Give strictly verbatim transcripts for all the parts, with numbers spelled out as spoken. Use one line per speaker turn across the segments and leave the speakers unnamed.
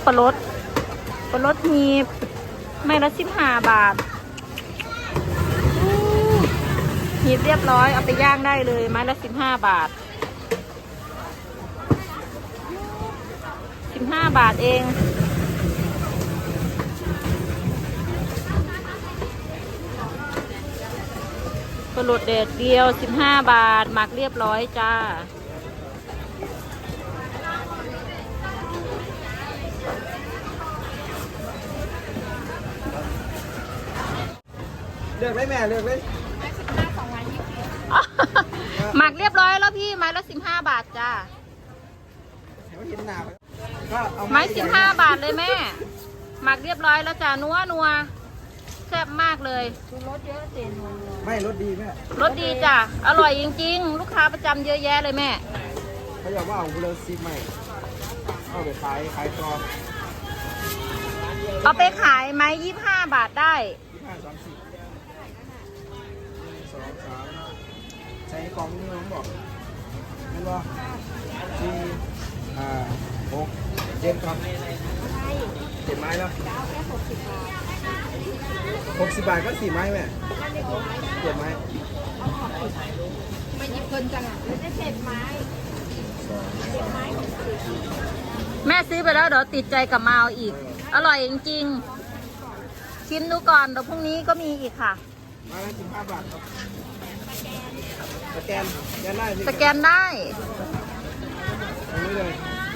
ลาลดปลาลดหีบไม่ละสิบห้าบาทหีบเรียบร้อยเอาไปย่างได้เลยไม้ละสิบห้าบาทสิบห้าบาทเองปลาลดเด็ดเดียวสิบห้าบาทหมักเรียบร้อยจ้า
เลือกได้แม่เลือกได้
ไม้สิบห้าสองไม้ยี่สิบหมักเรียบร้อยแล้วพี่ไม้ละสิบห้าบาทจ้าไม้สิบห้าบาทเลยแม่หมักเรียบร้อยแล้วจ้านัวนัวแซ่บมากเลยรสเยอะเต็ม
ไม่รสดีแม่
รสดีจ้ะอร่อยจริงๆลูกค้าประจำเยอะแยะเลยแม่
เขาอยากว่าเอาเบลอซีใหม่เอาไปขายขายต่อ
เอาไปขายไม้ยี่ห้าบาทได้
ยี่ห้าสามสิบสองสามใช้ของนี่น้องบอกเห็นป่ะสี่ห้าหกเจ็ดครับเจ็ดไม้แล้วหกสิบบาทก็สี่ไม้แม่เจ็ดไม้
ไม่หยิบเพิ่นจังอ่ะเลยได้เจ็ดไม้แม่ซื้อไปแล้วเดี๋ยวติดใจกับมาเอาอีกอร่อยจริงๆชิมดูก่อนเดี๋ยวพรุ่งนี้ก็มีอีกค่ะ
มาละสิบห้าบาทครับสแกนสแกนได้
สแกนได้
ตรงนี้เลย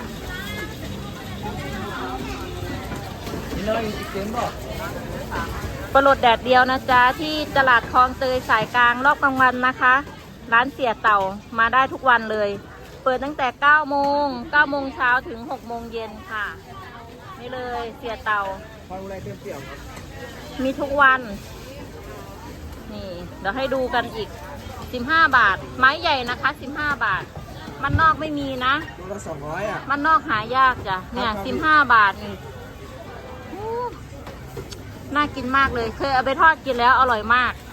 นี่เลยเกมบอก
ปลาลดแดดเดียวนะจ๊ะที่ตลาดคลองเตยสายกลางรอบกลางวันนะคะร้านเสียเต่ามาได้ทุกวันเลยเปิดตั้งแต่เก้าโมงเก้าโมงเช้าถึงหกโมงเย็นค่ะนี่เลยเสียเต่า
ความแรงเต็มเปี่ยมครับ
มีทุกวันนี่เดี๋ยวให้ดูกันอีกสิบห้าบาทไม้ใหญ่นะคะสิบห้าบาทมันนอกไม่มีนะ
ตัวละสองร้อยอ่ะ
มันนอกหายากจ้ะเนี่ยสิบห้าบาทนี่น่ากินมากเลยเคยเอาไปทอดกินแล้วอร่อยมาก